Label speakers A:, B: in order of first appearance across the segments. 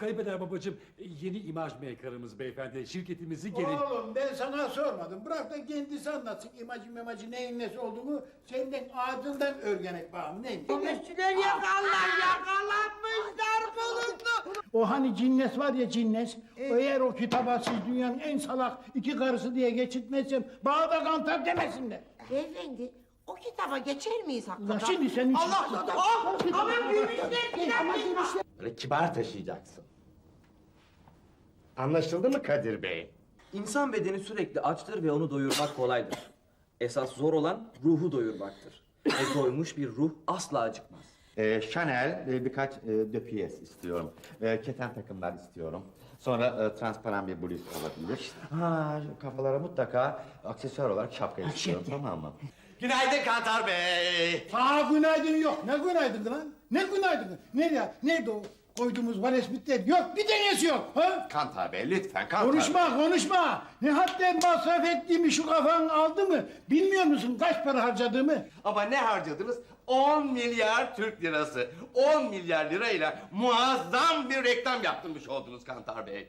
A: Kaybeder babacığım, yeni imaj maker'ımız beyefendi. Şirketimizin gelin...
B: Oğlum ben sana sormadım. Bırak da kendisi anlatsın imajı neyin nesi olduğunu. Senden ağzından öğrenek bağım neymiş?
C: Üstüler yakalanmışlar bulundu.
B: O hani cinnes var ya cinnes. Eğer o kitaba siz dünyanın en salak iki karısı diye geçitmezsem bana da kantar demesinler.
C: Beyefendi, o kitaba geçer miyiz
B: Ulan
C: hakikaten?
B: şimdi senin için...
C: Allah Allah! Ama gülüşler
D: Böyle kibar taşıyacaksın. Anlaşıldı mı Kadir Bey?
E: İnsan bedeni sürekli açtır ve onu doyurmak kolaydır. Esas zor olan ruhu doyurmaktır. Doymuş bir ruh asla acıkmaz.
D: Chanel birkaç döpiyes istiyorum. Keten takımlar istiyorum. Sonra transparan bir bluz olabilir. Ha, şu kafalara mutlaka aksesuar olarak şapka istiyorum, tamam mı? Günaydın Kantar Bey.
B: Aa günaydın yok. Ne günaydın lan? Ne günaydın? Nerede o koyduğumuz varesmitler? Yok bir tanesi yok. Ha?
D: Kantar Bey lütfen Kantar Bey.
B: Konuşma. Ne hadden masraf ettiğimi şu kafan aldı mı? Bilmiyor musun kaç para harcadığımı?
D: Ama ne harcadınız? 10 milyar Türk lirası. 10 milyar lirayla muazzam bir reklam yaptırmış oldunuz Kantar Bey.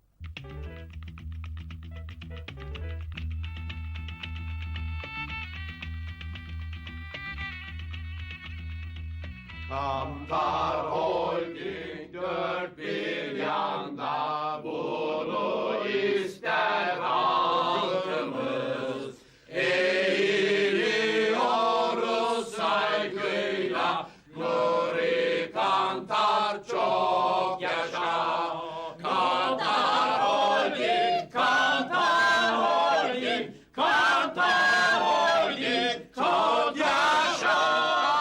D: Kantar Holding dört bir yanda bunu ister halkımız. Eğiliyoruz saygıyla Nuri Kantar çok yaşa. Kantar Holding, Kantar Holding, Kantar Holding çok yaşa.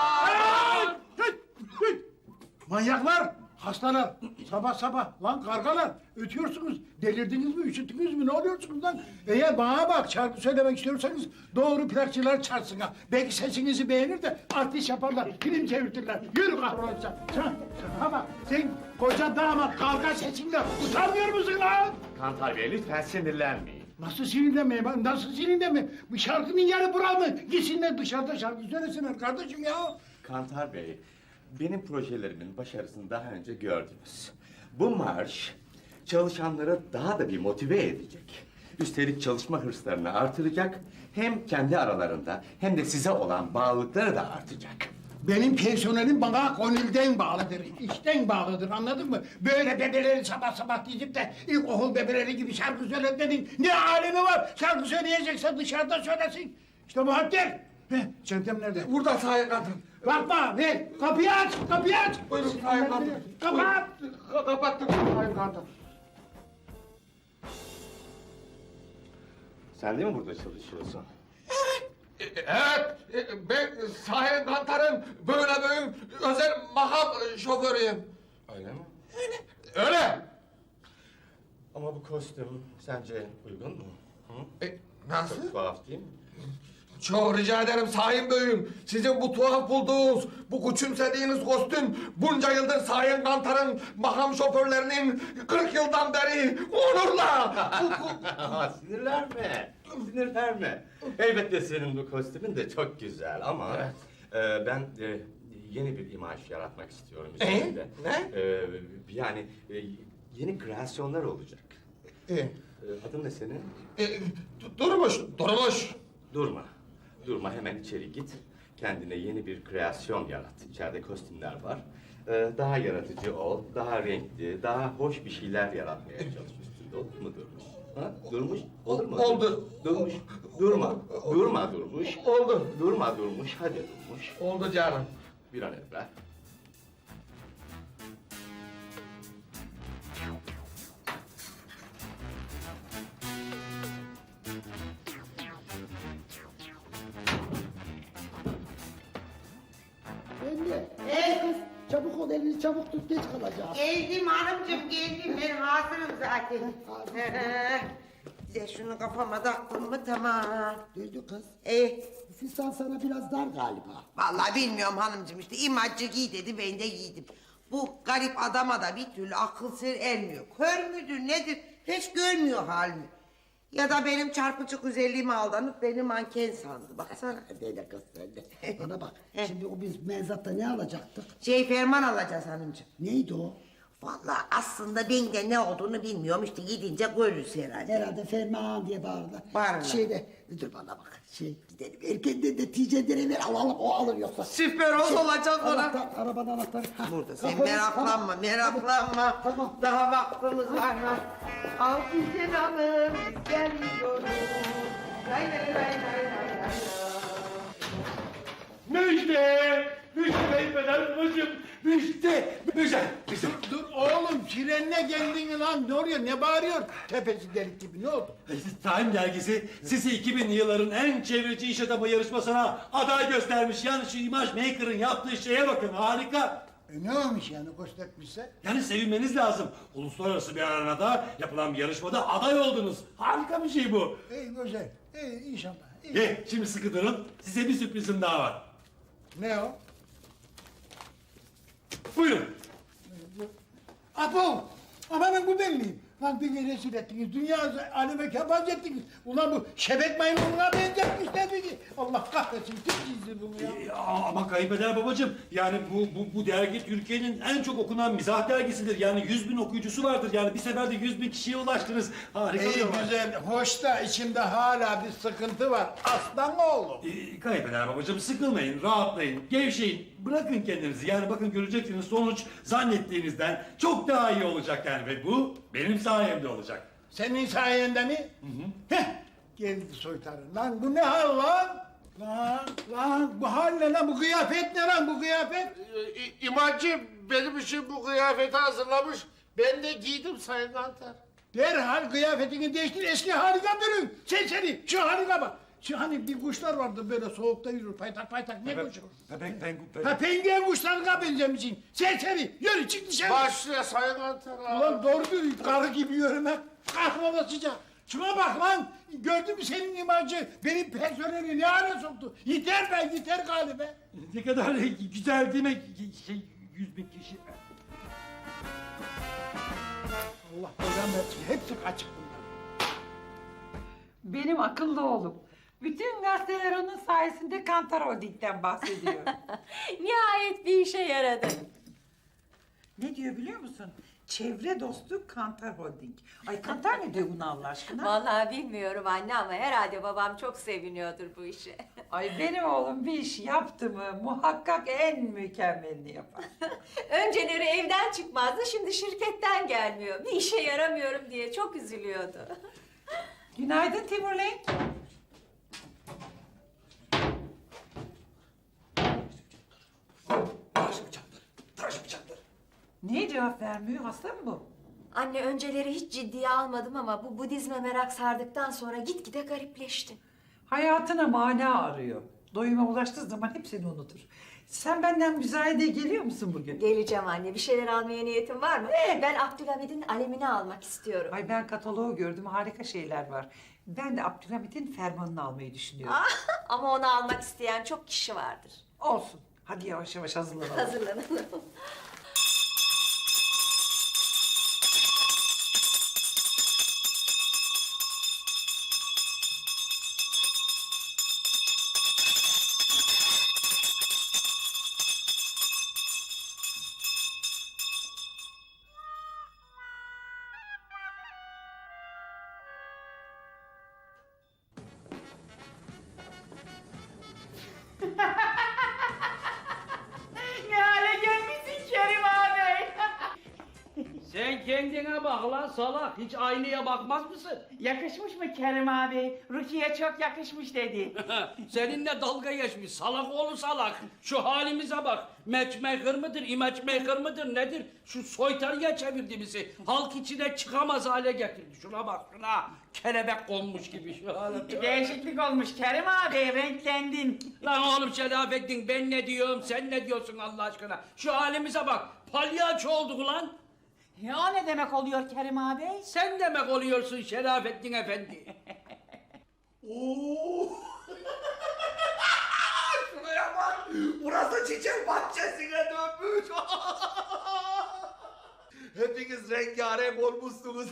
B: Manyaklar, hastalar, sabah lan kargalar ötüyorsunuz, delirdiniz mi, üşüttünüz mü, ne oluyorsunuz lan? Eğer bana bak şarkı söylemek istiyorsanız doğru plakçılar çağırsın ha. Belki sesinizi beğenir de artist yaparlar, film çevirtirler. Yürü kahrolacağım. Sana bak, sen koca damat kavga sesinle utanmıyor musun lan?
D: Kantar Bey lütfen sinirlenmeyin.
B: Nasıl sinirlenmeyeyim ben, nasıl sinirlenmeyeyim? Bu şarkının yarı bura mı? Gitsinler dışarıda şarkı söylesinler kardeşim ya.
D: Kantar Bey, benim projelerimin başarısını daha önce gördünüz. Bu marş çalışanları daha da bir motive edecek. Üstelik çalışma hırslarını artıracak. Hem kendi aralarında hem de size olan bağlılıkları da artacak.
B: Benim personelim bana gönülden bağlıdır, işten bağlıdır, anladın mı? Böyle bebeleri sabah diyip de ilkokul bebeleri gibi şarkı söyletmenin ne alemi var? Şarkı söyleyecekse dışarıda söylesin. İşte bu hakker. Çantam nerede?
F: Burada Sayın Kantar.
B: Bakma, ver. Kapıyı aç.
F: Buyurun Sayın Kantar.
B: Kapat.
F: Kapattık Sayın Kantar.
D: Sen de mi burada çalışıyorsun?
F: Evet, ben Sayın Kantar'ın böyle büyük özel makam şoförüyüm.
D: Öyle mi?
F: Öyle.
D: Ama bu kostüm sence uygun mu? Hı?
F: Nasıl?
D: Çok tuhaf değil mi?
F: Çok rica ederim Sayın Bey'im. Sizin bu tuhaf bulduğunuz, bu küçümsediğiniz kostüm bunca yıldır Sayın Kantar'ın makam şoförlerinin 40 yıldan beri onurla.
D: Sinirlenme. Elbette senin bu kostümün de çok güzel ama... ben yeni bir imaj yaratmak istiyorum üzerinde.
F: Ne?
D: Yani yeni kreasyonlar olacak. Adın ne senin?
F: Durmuş.
D: Durma hemen içeri git. Kendine yeni bir kreasyon yarat. İçeride kostümler var. Daha yaratıcı ol, daha renkli, daha hoş bir şeyler yaratmaya çalış üstünde. Olur mu Durmuş? Ha? Durmuş? Olur mu?
F: Oldu.
D: Durmuş. Durma Durmuş.
F: Oldu.
D: Durma Durmuş. Hadi Durmuş.
F: Oldu canım.
D: Bir an evvel.
G: Anne. Kız çabuk ol elini çabuk tut geç kalacağız.
C: Geldim hanımcığım geldim ben hazırım zaten. Size şunu kafama taktım mı tamam.
G: Duydu kız.
C: Eh,
G: Fistan sana biraz dar galiba.
C: vallahi bilmiyorum hanımcığım işte imajcı giy dedi ben de giydim. Bu garip adama da bir türlü akıl sır ermiyor. Kör müdür nedir hiç görmüyor halimi. Ya da benim çarpıcı güzelliğime aldanıp beni manken sandı baksana.
G: Dede kız sen de. Bana bak şimdi o biz menzatta ne alacaktık?
C: Ferman alacağız hanımcığım.
G: Neydi o?
C: Vallahi aslında ben de ne olduğunu bilmiyorum. İşte gidince görürüz herhalde.
G: Herhalde Ferman diye bağırdılar.
C: Bağırırlar.
G: Şeyde, dur bana bak. Gidelim erkenden de ticeleri ver alalım, o alır yoksa.
C: Süper olacak ona.
G: Anahtar, arabanın anahtarı. Ha,
C: Burada sen
G: kafanı-
C: meraklanma, meraklanma.
G: Tamam.
C: Daha vaktimiz var. Al güzel hanım, biz geliyoruz. Lay lay lay lay lay lay.
A: Müjde! Müjde kayınpeder babacığım! Müjde! Müjde! Müjde!
B: Dur oğlum frenle geldin lan ne oluyor ne bağırıyor? Tepesi delik gibi ne oldu?
A: Time dergisi sizi 2000'li yılların en çevreci iş adamı yarışmasına aday göstermiş. Yani şu imaj maker'ın yaptığı şeye bakın harika.
B: Ne olmuş yani göstermişse?
A: Yani sevinmeniz lazım. Uluslararası bir arenada yapılan bir yarışmada aday oldunuz. Harika bir şey bu.
B: İyi güzel. İyi inşallah. İyi.
A: Şimdi sıkı durun. Size bir sürprizim daha var.
B: Ne o?
A: Buyurun.
B: Apo! Amanın bu belli. Lan beni rezil ettiniz. Dünya aleme kebaz ettiniz. Ulan bu şebek maymununa benzetmişler beni. Allah kahretsin. Kim çizdi bunu ya?
A: Ama kayınpeder babacığım yani bu dergi Türkiye'nin en çok okunan mizah dergisidir. Yani 100.000 okuyucusu vardır. Yani bir seferde 100.000 kişiye ulaştınız. Harika bir
B: İyi
A: olay.
B: güzel. Hoş da içimde hala bir sıkıntı var. Aslan oğlum.
A: Kayınpeder babacığım sıkılmayın, rahatlayın, gevşeyin. Bırakın kendinizi. Yani bakın göreceksiniz sonuç zannettiğinizden çok daha iyi olacak yani. Ve bu benim sayemde olacak.
B: Senin sayende mi? Heh. Geldi soytarı. Lan bu ne hal lan? Lan bu hal ne lan? Bu kıyafet ne lan bu kıyafet?
F: İmacı benim için bu kıyafeti hazırlamış. Ben de giydim Sayın Kantar.
B: Derhal kıyafetini değiştir, eski haline dönün. Seni, şu haline bak. Şu hani bir kuşlar vardı böyle soğukta yürür, paytak paytak, ne kuşu? Ha penguen kuşlarına benzemişsin. Seni, yürü çık dışarı.
F: Başlıyor Sayın Kantar.
B: Ulan doğru düzgün karı gibi yürümek, kahrolasıca. Şuna bak lan, gördün mü senin imajı, benim personeli ne hale soktu? Yeter be, yeter galiba.
A: Ne kadar güzel değil mi? 100.000 kişi.
B: Allah belanı versin, hepsi kaçık bunlar.
H: Benim akıllı oğlum. Bütün gazeteler onun sayesinde Kantar Holding'den bahsediyor.
I: Nihayet bir işe yaradı.
H: Ne diyor biliyor musun? Çevre dostu Kantar Holding. Ay Kantar ne diyor buna Allah aşkına?
I: Vallahi bilmiyorum anne ama herhalde babam çok seviniyordur bu işe.
H: Ay benim oğlum bir iş yaptı mı muhakkak en mükemmelini yapar.
I: Önceleri evden çıkmazdı, şimdi şirketten gelmiyor. Bir işe yaramıyorum diye çok üzülüyordu.
H: Günaydın Timur Lenk. Niye cevap vermiyor? Hasta mı bu?
I: Anne önceleri hiç ciddiye almadım ama bu Budizme merak sardıktan sonra gitgide garipleşti.
H: Hayatına mana arıyor. Doyuma ulaştığı zaman hepsini unutur. Sen benden müzayedeye geliyor musun bugün?
I: Geleceğim anne, bir şeyler almaya niyetin var mı? Ben Abdülhamid'in alemini almak istiyorum.
H: Ay ben kataloğu gördüm, harika şeyler var. Ben de Abdülhamit'in fermanını almayı düşünüyorum.
I: Ama onu almak isteyen çok kişi vardır.
H: Olsun. Hadi yavaş yavaş hazırlanalım.
I: Hazırlanalım.
J: Ne hale gelmişsin Kerim abi?
K: Sen kendine bak lan salak. Hiç aynaya bakmaz mısın?
J: Yakışmış mı Kerim abi? Rukiye çok yakışmış dedi.
K: Seninle dalga geçmiş. Salak oğlu salak. Şu halimize bak. Matchmaker mıdır, image maker mıdır nedir? Şu soytarıya çevirdi bizi. Halk içine çıkamaz hale getirdi. Şuna bak şuna. Kelebek konmuş gibi şu hale.
J: Değişiklik olmuş Kerim abi, renklendin.
K: Lan oğlum Şerafettin ben ne diyorum sen ne diyorsun Allah aşkına? Şu halimize bak. Palyaço olduk lan.
J: Ya o ne demek oluyor Kerim abi?
K: Sen demek oluyorsun Şerafettin Efendi.
F: Şuraya bak. Burası çiçek bahçesine dönmüş. Hepiniz rengarenk olmuşsunuz.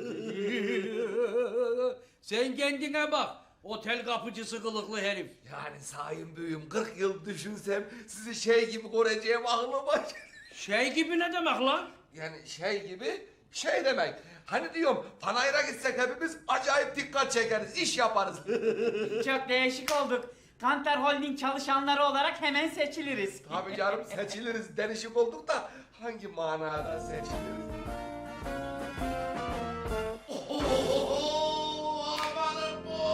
K: Sen kendine bak. Otel kapıcısı kılıklı herif.
F: Yani sayın büyüğüm 40 yıl düşünsem sizi şey gibi göreceğim aklıma.
K: Şey gibi ne demek lan?
F: Yani şey gibi şey demek. Hani diyorum panayıra gitsek hepimiz acayip dikkat çekeriz, iş yaparız.
J: Çok değişik olduk. Kantar Holding çalışanları olarak hemen seçiliriz.
F: Tabii canım seçiliriz, denişik olduk da hangi manada seçiliriz? Amanın bu!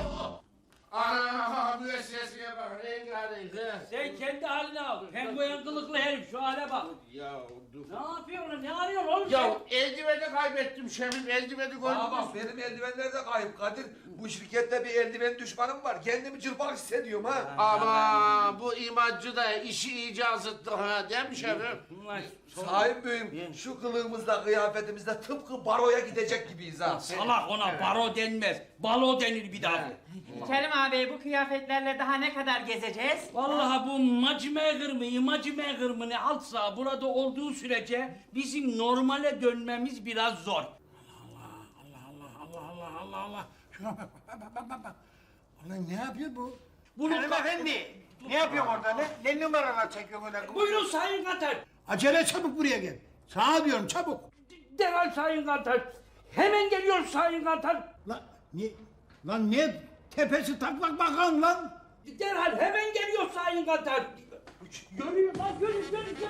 F: Ana müesseseye bak, rengarenk ha.
K: Sen kendi haline al. Penguen kılıklı herif şu hale bak.
F: Ya dur.
K: Ne yapıyorsun lan? Ne arıyorsun oğlum
F: Ya
K: sen?
F: eldiveni kaybettim Şefim, eldiveni gördün mü? Bak benim eldivenler de kayıp Kadir. Bu şirkette bir eldiven düşmanım var. Kendimi çırpak hissediyorum ha.
L: Ama bu imacı da işi iyice azıttı ha, değil mi Şefim?
F: Sahip büyüğüm, şu kılığımızla, kıyafetimizle tıpkı baroya gidecek gibiyiz ha.
K: Salak ona baro denmez. Balo denir bir daha.
J: Kerim abi bu kıyafetlerle daha ne kadar gezeceğiz?
K: Vallahi bu imacı mı ne altsa burada olduğu sürece bizim normale dönmemiz biraz zor.
B: Allah. Şuna bak. Ulan ne yapıyor bu?
K: Bunu
B: Efendi, ne yapıyorsun orada? Ne numaralar çekiyorsun öyle?
K: Buyurun Sayın Kantar.
B: Acele çabuk buraya gel. Sana diyorum çabuk.
K: Derhal Sayın Kantar. Hemen geliyor Sayın Kantar.
B: Lan ne tepesi taklak bakan lan?
K: Derhal hemen geliyor Sayın Kantar. Görüyor lan görüyor.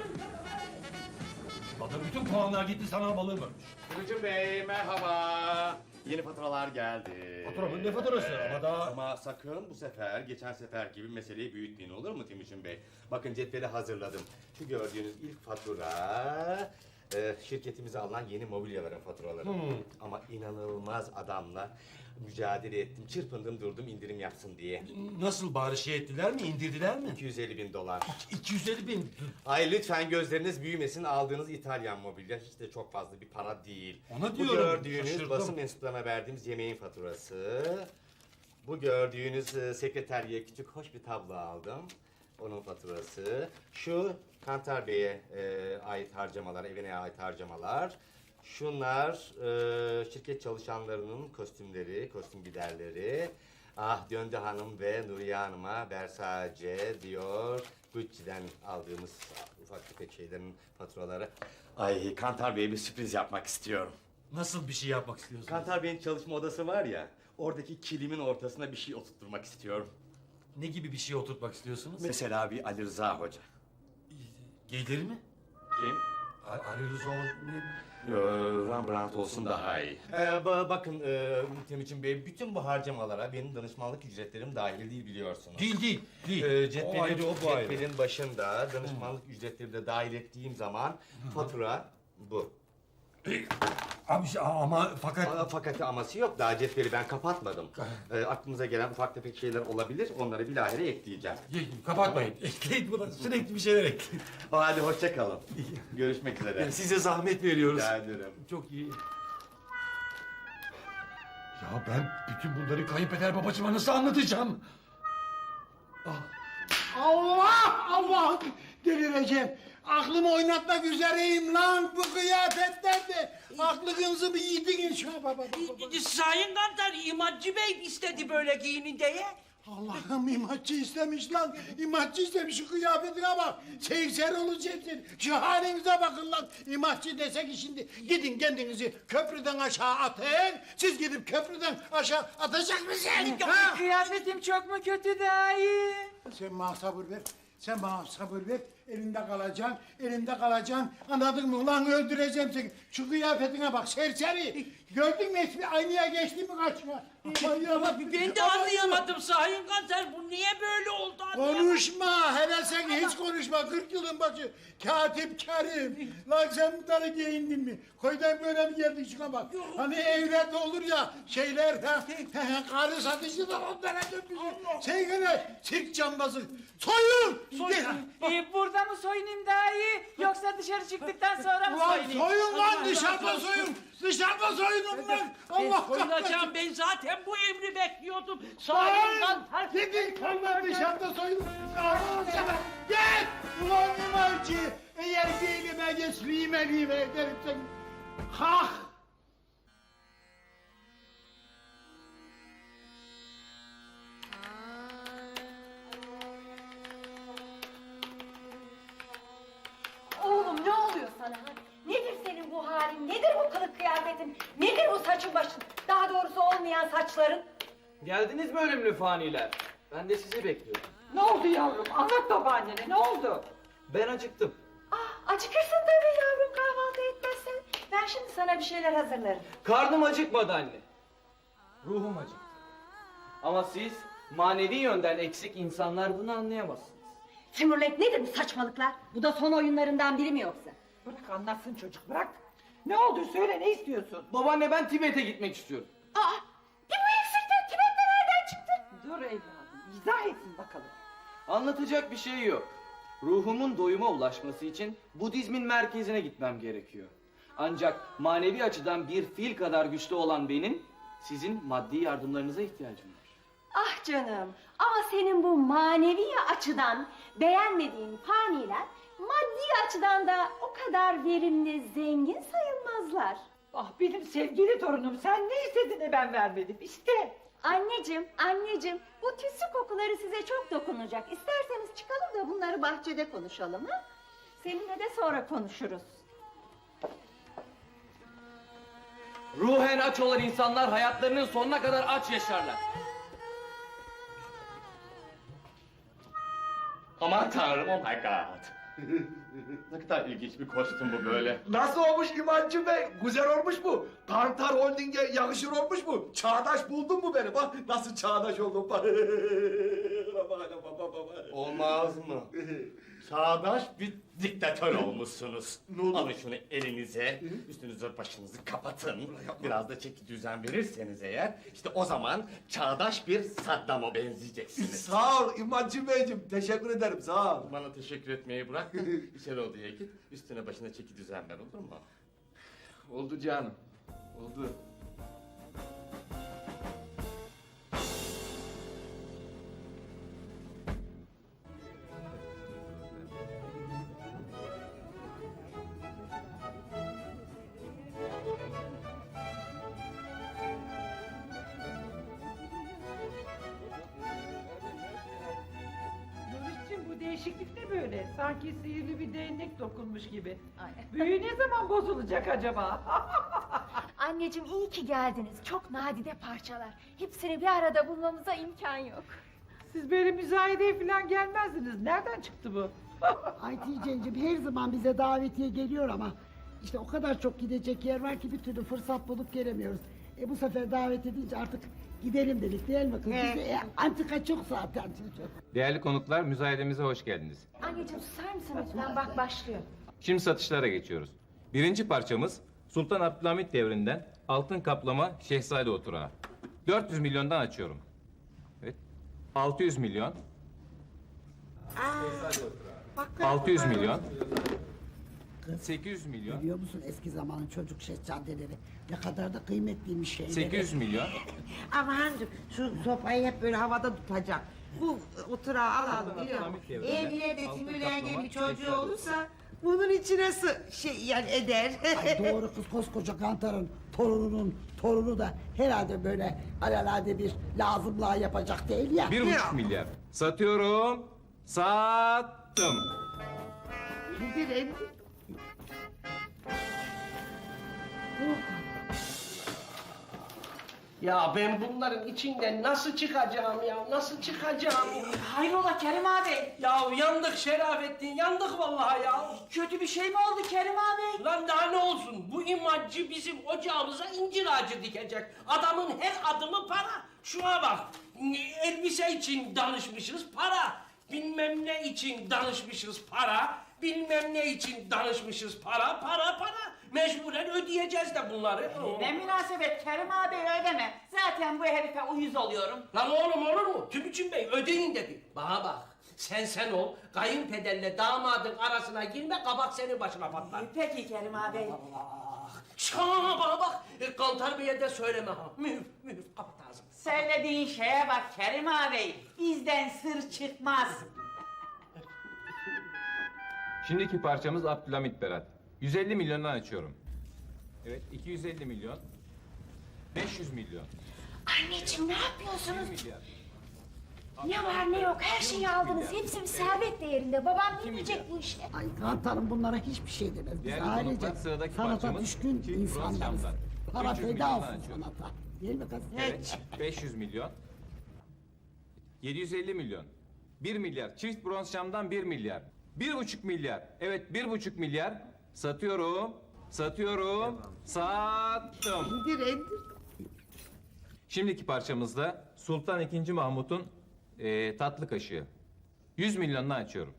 A: Bana bütün puanlar gitti sana balığı vermiş.
D: Gülcüm Bey merhaba. Yeni faturalar geldi.
A: Fatura mı? Ne faturası? Ama daha...
D: Ama sakın bu sefer geçen sefer gibi meseleyi büyütmeyin olur mu Timuçin Bey? Bakın cetveli hazırladım. Şu gördüğünüz ilk fatura şirketimize alınan yeni mobilyaların faturaları. Ama inanılmaz adamla mücadele ettim, çırpındım durdum indirim yapsın diye.
A: Nasıl bari şey ettiler mi, indirdiler mi?
D: 250.000 dolar.
A: 250.000.
D: Ay lütfen gözleriniz büyümesin, aldığınız İtalyan mobilya hiç de çok fazla bir para değil.
A: Ona
D: Bu
A: diyorum,
D: gördüğünüz
A: şaşırdım.
D: basın mensuplarına verdiğimiz yemeğin faturası. Bu gördüğünüz sekreteriye küçük hoş bir tablo aldım. Onun faturası. Şu Kantar Bey'e ait harcamalar, evine ait harcamalar. Şunlar şirket çalışanlarının kostümleri, kostüm giderleri. Ah Döndü Hanım ve Nuriye Hanım'a Versace, Dior, Gucci'den aldığımız ufak tefek şeylerin faturaları. Ay Kantar Bey'e bir sürpriz yapmak istiyorum.
A: Nasıl bir şey yapmak istiyorsunuz?
D: Kantar Bey'in çalışma odası var ya, oradaki kilimin ortasına bir şey oturtturmak istiyorum.
A: Ne gibi bir şey oturtmak istiyorsunuz?
D: Mesela bir Ali Rıza Hoca.
A: Gelir mi?
D: Kim?
A: Ali Rıza ne?
D: Rembrandt olsun daha iyi. Bakın Timuçin Bey, bütün bu harcamalara benim danışmanlık ücretlerim dahil değil biliyorsunuz.
A: Değil. O ayrı, o bu ayrı.
D: Cetvelin başında danışmanlık ücretleri de dahil ettiğim zaman fatura bu.
A: Abi ama fakat...
D: Fakat aması yok, daha cetveli ben kapatmadım. Aklınıza gelen ufak tefek şeyler olabilir, onları bilahare ekleyeceğim.
A: Kapatmayın. Ekleyin buna. Sürekli bir şeyler ekleyin.
D: Hadi hoşça kalın. Görüşmek üzere.
A: Size zahmet veriyoruz.
D: Rica ederim.
A: Çok iyi. Ya ben bütün bunları kayınpeder babacığıma nasıl anlatacağım?
B: Allah! Delireceğim. Aklımı oynatmak üzereyim lan bu kıyafetlerde. Aklınızı bir yediniz şuna baba.
K: Sayın Kantar imacı Bey istedi böyle giyinin diye.
B: Allah'ım imatçı istemiş lan. İmatçı istemiş şu kıyafetine bak. Seyirser olacaksın. Şu halinize bakın lan. İmatçı desek ki şimdi gidin kendinizi köprüden aşağı atın. Siz gidip köprüden aşağı atacak mısınız? Ha?
J: Kıyafetim çok mu kötü dayı?
B: Sen bana sabır ver. Sen bana sabır ver. Elimde kalacaksın. Anladın mı? Ulan öldüreceğim seni. Şu kıyafetine bak serseri. Gördün mü hiçbir aynaya geçti mi karşına?
K: Ben de anlayamadım Sayın Kantar. Bu niye böyle oldu?
B: Konuşma. Hele sen hiç konuşma. 40 yılın başı. Katip Kerim. Lan sen bunları giyindin mi? Koydan böyle mi geldik şuna bak. Hani evlerde olur ya şeyler. Karı satıcılar onlara dönmüşsün. Sen gene sirk cambazı. Soyun!
J: Burada mı soyunayım dayı? Yoksa dışarı çıktıktan sonra mı
B: Ulan
J: soyunayım?
B: soyun lan dışarıda soyun. Dışarıda soyunun lan. Allah
K: Soyunacağım ben zaten bu emri bekliyordum. Sayın Kantar.
B: Gidin lan dışarıda soyun. Allah'ım sana. Git! Ulan imarcı. Eğer gelime geç lime ederim seni. Hah!
I: Oğlum ne oluyor sana? Nedir geldin. Nedir bu saçın başın? Daha doğrusu olmayan saçların.
E: Geldiniz mi ölümlü faniler? Ben de sizi bekliyorum.
H: Ne oldu yavrum? Anlat babaannene ne oldu?
E: Ben acıktım.
I: Acıkırsın tabii yavrum kahvaltı etmezsen. Ben şimdi sana bir şeyler hazırlarım.
E: Karnım acıkmadı anne. Ruhum acıktı. Ama siz manevi yönden eksik insanlar bunu anlayamazsınız.
I: Timurlenk nedir bu saçmalıklar? Bu da son oyunlarından biri mi yoksa?
H: Bırak anlatsın çocuk bırak. Ne oldu söyle ne istiyorsun?
E: Babaanne ben Tibet'e gitmek istiyorum.
I: Bir bu eksikten Tibet'te nereden çıktı?
H: Dur evladım izah etsin bakalım.
E: Anlatacak bir şey yok. Ruhumun doyuma ulaşması için Budizmin merkezine gitmem gerekiyor. Ancak manevi açıdan bir fil kadar güçlü olan benim, sizin maddi yardımlarınıza ihtiyacım var.
I: Ah canım ama senin bu manevi açıdan beğenmediğin faniler maddi açıdan da o kadar verimli, zengin sayılmazlar.
H: Ah benim sevgili torunum sen ne istedin de ben vermedim işte.
I: Anneciğim bu tütsü kokuları size çok dokunacak. İsterseniz çıkalım da bunları bahçede konuşalım ha? Seninle de sonra konuşuruz.
E: Ruhen aç olan insanlar hayatlarının sonuna kadar aç yaşarlar.
D: Aman tanrım, oh my god. Ne kadar ilginç bir kostüm bu böyle.
F: Nasıl olmuş İmancı Bey? Güzel olmuş mu? Kantar Holding'e yakışır olmuş mu? Çağdaş buldun mu beni? Bak nasıl çağdaş oldum bak.
D: Olmaz mı? Çağdaş bir diktatör olmuşsunuz. Alın şunu elinize, üstünüzü başınızı kapatın. Biraz da çeki düzen verirseniz eğer, işte o zaman çağdaş bir Saddam'a benzeyeceksiniz.
F: Sağ ol İmancı Beyciğim. Teşekkür ederim sağ ol.
D: Bana teşekkür etmeyi bırak, içeri odaya git, üstüne başına çeki düzen ver, olur mu?
F: Oldu canım. Oldu.
H: Nuriş'cim bu değişiklik ne böyle? Sanki sihirli bir değnek dokunmuş gibi. Büyü ne zaman bozulacak acaba?
I: Anneciğim iyi ki geldiniz. Çok nadide parçalar. Hepsini bir arada bulmamıza imkan yok.
H: Siz böyle müzayedeye falan gelmezdiniz. Nereden çıktı bu?
G: Ay Tice'cim her zaman bize davetiye geliyor ama işte o kadar çok gidecek yer var ki bir türlü fırsat bulup gelemiyoruz. Bu sefer davet edince artık gidelim dedik değil mi kız? Bize, antika çok zaten çocuk.
M: Değerli konuklar, müzayedemize hoş geldiniz.
I: Anneciğim susar mısın lütfen? Bak başlıyor.
M: Şimdi satışlara geçiyoruz. Birinci parçamız Sultan Abdülhamit devrinden altın kaplama Şehzade Oturağı. 400 milyondan açıyorum. Evet. 600 milyon. 600 milyon. 800 milyon.
G: Biliyor musun eski zamanın çocuk şehzadeleri ne kadar da kıymetliymiş şeyleri.
M: 800 milyon.
C: Amancığım şu sopayı hep böyle havada tutacak. Bu oturağı alalım biliyor musun? Eğer ileride Timurlen'in bir çocuğu olursa bunun içine yani eder.
G: Ay doğru kız koskoca Kantar'ın torununun torunu da herhalde böyle alelade bir lazımlığa yapacak değil ya.
M: 1,5 milyar. Satıyorum. Sattım.
C: Gidelim.
L: Ya ben bunların içinden nasıl çıkacağım ya? Nasıl çıkacağım?
J: Hayrola Kerim abi?
K: Ya yandık Şerafettin, yandık vallahi ya.
J: Kötü bir şey mi oldu Kerim abi?
K: Lan daha ne olsun? Bu imacı bizim ocağımıza incir ağacı dikecek. Adamın her adımı para. Şuna bak. Elbise için danışmışız para. Bilmem ne için danışmışız para. Bilmem ne için danışmışız para. Mecburen ödeyeceğiz de bunları.
J: Ne münasebet Kerim abi ödeme. Zaten bu herife uyuz oluyorum.
K: Lan oğlum olur mu? Tübüçün Bey ödeyin dedi. Bana bak. Sen ol. Kayınpederle damadın arasına girme. Kabak senin başına patlar.
J: Peki Kerim abi.
K: Şana bana bak. Kantar Bey'e de söyleme ha. Mühür kapat ağzını.
J: Söylediğin şeye bak Kerim abi. Bizden sır çıkmaz.
M: Şimdiki parçamız Abdülhamit Berat. 150 milyondan açıyorum. Evet, 250 milyon. 500 milyon.
I: Anneciğim ne yapıyorsunuz?
M: 1 milyar.
I: Ne var ne yok her şeyi aldınız. Hepsi bir servet değerinde. Babam ne diyecek bu işe?
G: Ay Kantar'ın bunlara hiçbir şey demez. Biz
M: Değerli
G: ailece
M: konuklar, sıradaki
G: sanata
M: parçamız
G: düşkün
M: çift bronz
G: insanlarız.
M: camlar.
G: Para
M: 300
G: feda
M: milyondan
G: olsun
M: açıyorum.
G: sanata. Değil mi kız?
M: Evet, 500 milyon. 750 milyon. 1 milyar. Çift bronz camdan 1 milyar. 1,5 milyar. Evet, 1,5 milyar. Satıyorum. Satıyorum. Sattım.
C: İndir.
M: Şimdiki parçamızda Sultan II. Mahmut'un tatlı kaşığı. 100 milyonla açıyorum.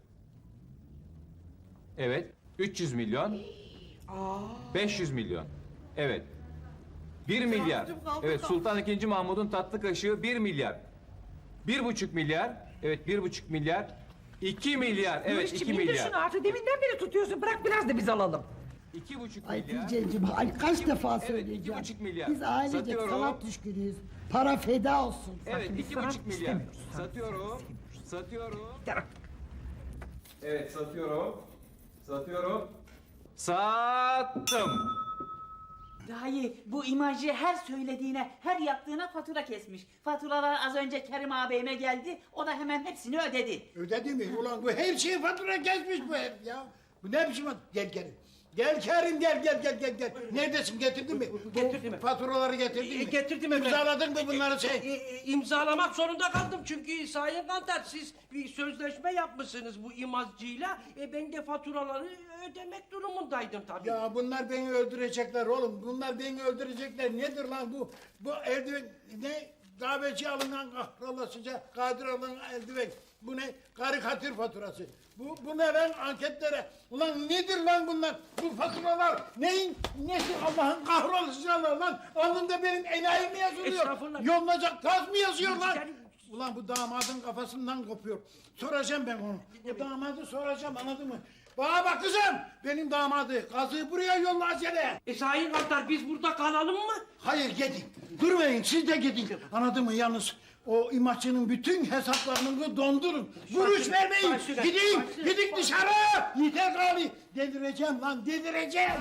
M: Evet. 300 milyon. 500 milyon. Evet. 1 milyar. Evet, Sultan II. Mahmud'un tatlı kaşığı 1 milyar. 1,5 milyar. Evet, 1,5 milyar. 2 milyar. Evet,
H: Barış'cığım,
M: 2
H: indir
M: milyar.
H: şunu artık. Deminden beri tutuyorsun. Bırak biraz da biz alalım.
M: 2,5
G: Ay
M: milyar.
G: Hatice'cim ay kaç defa
M: Evet,
G: söyleyeceğim.
M: 2,5 milyar.
G: Biz ailecek
M: Satıyorum.
G: sanat düşkünüyüz. Para feda olsun.
M: Evet,
H: biz
M: 2,5
H: sanat
M: milyar.
H: istemiyoruz.
M: Satıyorum. Satıyorum.
H: Tamam.
M: Evet, satıyorum. Satıyorum. Sattım.
J: Dayı bu imajı her söylediğine, her yaptığına fatura kesmiş. Faturalar az önce Kerim ağabeyime geldi, o da hemen hepsini ödedi.
B: Ödedi mi? Ulan bu her şeyi fatura kesmiş bu herif ya. Bu ne biçim Gel Kerim. Gel Kerim gel. Neredesin getirdin mi?
K: Getirdim.
B: Faturaları getirdin mi?
K: Getirdim efendim.
B: İmzaladın mı bunları sen?
K: İmzalamak zorunda kaldım çünkü Sayın Kantar siz bir sözleşme yapmışsınız bu imazcıyla. Ben de faturaları ödemek durumundaydım tabii.
B: Ya bunlar beni öldürecekler oğlum. Bunlar beni öldürecekler. Nedir lan bu? Bu eldiven ne? Kahveci alınan kahrolasıca kadir alınan eldiven. Bu ne? Karikatür faturası. Bu ne lan anketlere? Ulan nedir lan bunlar? Bu faturalar neyin nesi Allah'ın kahrolasıcalar lan? Alnında benim enayim mi yazılıyor?
K: Estağfurullah.
B: Yolunacak taz mı yazıyor lan?
K: Yani-
B: Ulan bu damadın kafasından kopuyor. Soracağım ben onu. Bu damadı soracağım anladın mı? Bana bak kızım. Benim damadı. Kazığı buraya yolla acele.
K: Sayın Kantar biz burada kalalım mı?
B: Hayır gidin. Durmayın siz de gidin. Anladın mı? Yalnız o imajının bütün hesaplarını dondurun. Vuruş vermeyin.
K: Başüstüne,
B: Gidin.
K: başüstüne.
B: Gidin dışarı. Yeter gari. Delireceğim lan delireceğim.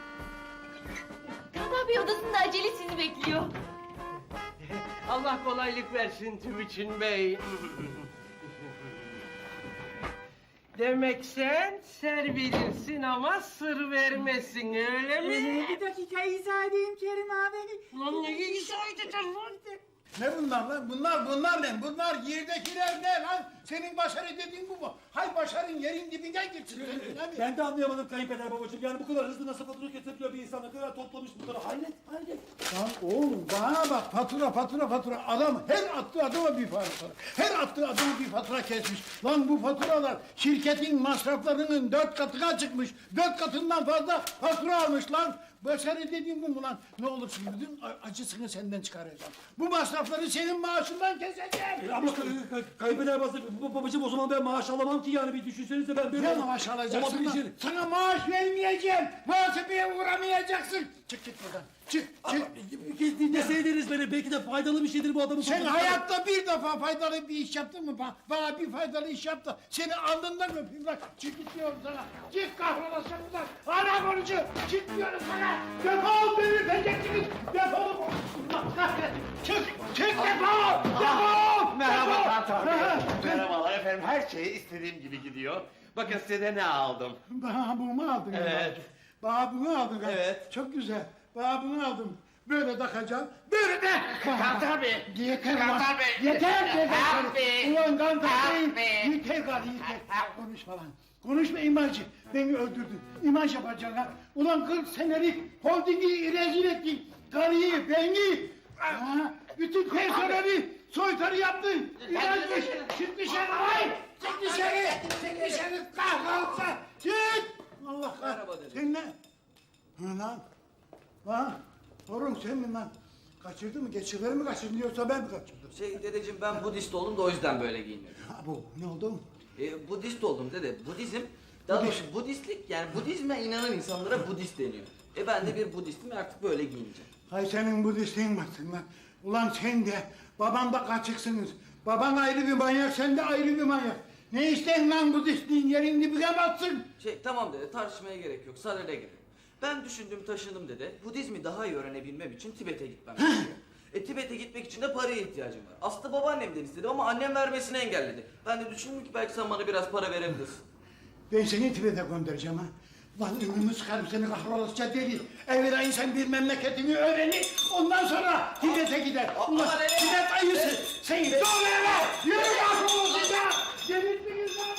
I: Kantar Bey odasında acele sizi bekliyor.
K: Allah kolaylık versin Tübüçün Bey. Demek sen ser bilirsin ama sır vermesin öyle mi?
J: Bir dakika izah edeyim Kerim ağabey.
K: Ulan ne izah edeceğim lan?
B: Ne bunlar lan? Bunlar ne? Bunlar yerdekiler ne lan? Senin başarı dediğin bu mu? Hay başarın yerin dibinden geçsin. Senin, değil mi?
A: Ben de anlayamadım kayınpeder babacığım. Yani bu kadar hızlı nasıl fatura kesebiliyor bir insan? Ne kadar toplamış bu kadar? Hayret.
B: Lan oğlum bana bak fatura. Adam her attığı adama bir fatura. Her attığı adama bir fatura kesmiş. Lan bu faturalar şirketin masraflarının 4 katına çıkmış. 4 katından fazla fatura almış lan. Başarı dediğim bu mu lan? Ne olursun bütün acısını senden çıkaracağım. Bu masrafları senin maaşından keseceğim.
A: Ama kayınpeder babacığım o zaman ben maaş alamam ki yani bir düşünsenize ben böyle...
B: Ne maaş alacaksın lan?
A: Olabilir.
B: Sana maaş vermeyeceğim. Muhasebeye uğramayacaksın. Çık git buradan. Çık.
A: Dinleseydiniz beni belki de faydalı bir şeydir bu adamın...
B: Sen hayatta bir defa faydalı bir iş yaptın mı? Bana bir faydalı iş yap da seni alnından öpeyim lan. Çık git diyorum sana. Çık kahrolasın buradan. Hala konucu. Çık diyorum sana. Defol beni öpeceksiniz. Defol. Allah kahretsin. Çık defol. Defol.
D: Merhaba Kantar Bey.
B: Ha,
D: Merhabalar efendim. Her şey istediğim gibi gidiyor. Bakın size de ne aldım.
B: Bana bunu aldın.
D: Evet.
B: evladım. Bana bunu aldın. ha.
D: Evet.
B: Çok güzel. Bana bunu aldım. Böyle takacağım. Böyle de.
L: Kantar Bey.
B: Yeter lan.
L: Kantar Bey.
B: Yeter.
L: Abi.
B: Ulan Kantar
L: Abi.
B: Bey. Yeter gari yeter. Konuşma lan. Konuşma imajcı. Beni öldürdün. İmaj yapacaksın ha. Ulan 40 senelik holdingi rezil ettin. Karıyı, beni. Ha, bütün personeli soytarı yaptın. İmajcı. Çık dışarı lan. Çık dışarı. Çık dışarı. Kahrolsa. Çık. Allah kahretsin. Sen ne? Hı lan. Lan. Torun sen mi lan? Kaçırdın mı? Geçirleri mi kaçırdın yoksa ben mi kaçırdım?
E: Dedeciğim ben Budist oldum da o yüzden böyle giyiniyorum.
B: Ha bu ne oldu?
E: Budist oldum dede. Budizm, daha doğrusu Budistlik yani Budizme inanan insanlara Budist deniyor. Ben de bir Budistim ve artık böyle giyineceğim.
B: Hay senin Budistliğin baksın lan. Ulan sen de babam da kaçıksınız. Baban ayrı bir manyak, sen de ayrı bir manyak. Ne isten lan Budistliğin yerin dibine batsın.
E: Tamam dede tartışmaya gerek yok. Sadede gerek. Ben düşündüm taşındım dede. Budizmi daha iyi öğrenebilmem için Tibet'e gitmem gerekiyor. Tibet'e gitmek için de paraya ihtiyacım var. Aslında babaannemden istedim ama annem vermesini engelledi. Ben de düşündüm ki belki sen bana biraz para verebilirsin.
B: Ben seni Tibet'e göndereceğim ha. Lan ünümü sıkarım seni kahrolasıca deli. Evvela insan bir memleketini öğrenir, ondan sonra Tibet'e gider. Ulan Tibet ayısı, seni doğru eve! Yürü kahrolasıca! Delirdiniz lan!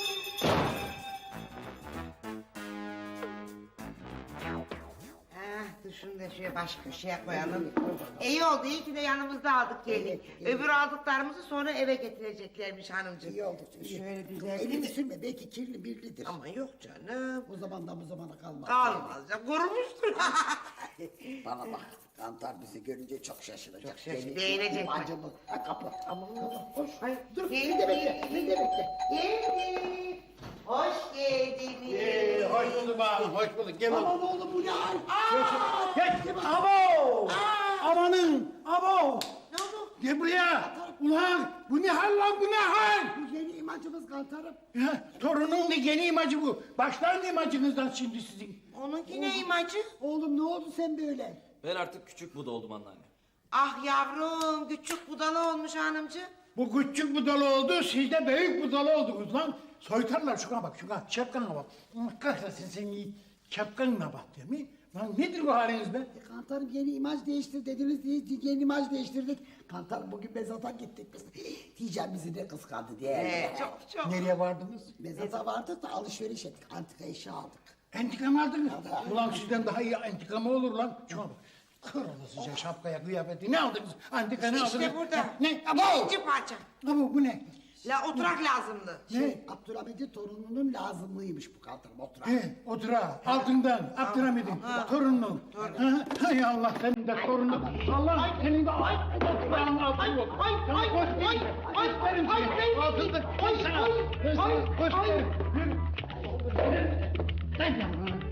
C: Dur şunu da şöyle baş köşeye koyalım. İyi oldu, iyi ki de yanımızda aldık gelin. Öbür aldıklarımızı sonra eve getireceklermiş hanımcığım.
G: İyi oldu.
C: Şöyle düzeltelim.
G: Elini sürme belki kirli birlidir.
C: Ama yok canım.
G: Bu zamandan bu zamana kalmaz.
C: Kalmaz ya, kurumuştur.
G: Bana bak, Kantar bizi görünce çok şaşıracak.
C: Çok şaşıracak, beğenecek.
G: Acımı. Kapı. Aman hoş.
C: Hayır,
G: Dur,
C: geldi.
G: beni de bekle, beni de bekle.
C: Geldi. Hoş geldiniz.
B: Hoş bulduk ağam, hoş bulduk. Gel oğlum.
G: Aman oğlum bu ne hal?
B: Gel, abo! Amanın, abo!
C: Ne oldu?
B: Gel buraya! Ulan, bu ne hal lan, bu ne hal?
G: Bu yeni imacımız Kantar'ım.
B: Ya, torunun da yeni imacı bu. Başlayın imacınızdan şimdi sizin.
C: Onunki ne imacı?
G: Oğlum ne oldu sen böyle?
E: Ben artık küçük Buda oldum anneanne.
C: Ah yavrum, küçük budalı olmuş hanımcığım.
B: Bu küçük budalı oldu, siz de büyük budalı oldunuz lan. Soytarlar şuna bak, şuna, şapkana bak. Allah kahretsin seni, şapkanına bak değil mi? Lan nedir bu haliniz be?
G: Kantar'ım yeni imaj değiştir dediniz diye yeni imaj değiştirdik. Kantar'ım bugün mezata gittik biz. Diyeceğim bizi de kıskandı diye.
C: Çok.
B: Nereye vardınız?
G: Mezata vardık da alışveriş ettik. Antika eşya aldık.
B: Entika mı aldınız? Ulan sizden daha iyi entika mı olur lan? Şuna bak. Kırılasıca şapkaya, kıyafeti ne aldınız? Antika ne aldınız?
C: İşte burada.
B: Ne?
C: İkinci parça.
B: Abo bu ne?
C: La oturak lazımdı.
G: Abdülhamid'in torununun lazımlıymış bu Kantar'ım oturak.
B: Otura, altından, Abdülhamid'in, torunun. Hay Allah, senin de torunun. Allah, senin de oturağın altın yok. Sana gösterim seni. Altında, koy sana. Gösterim. Sen yapma.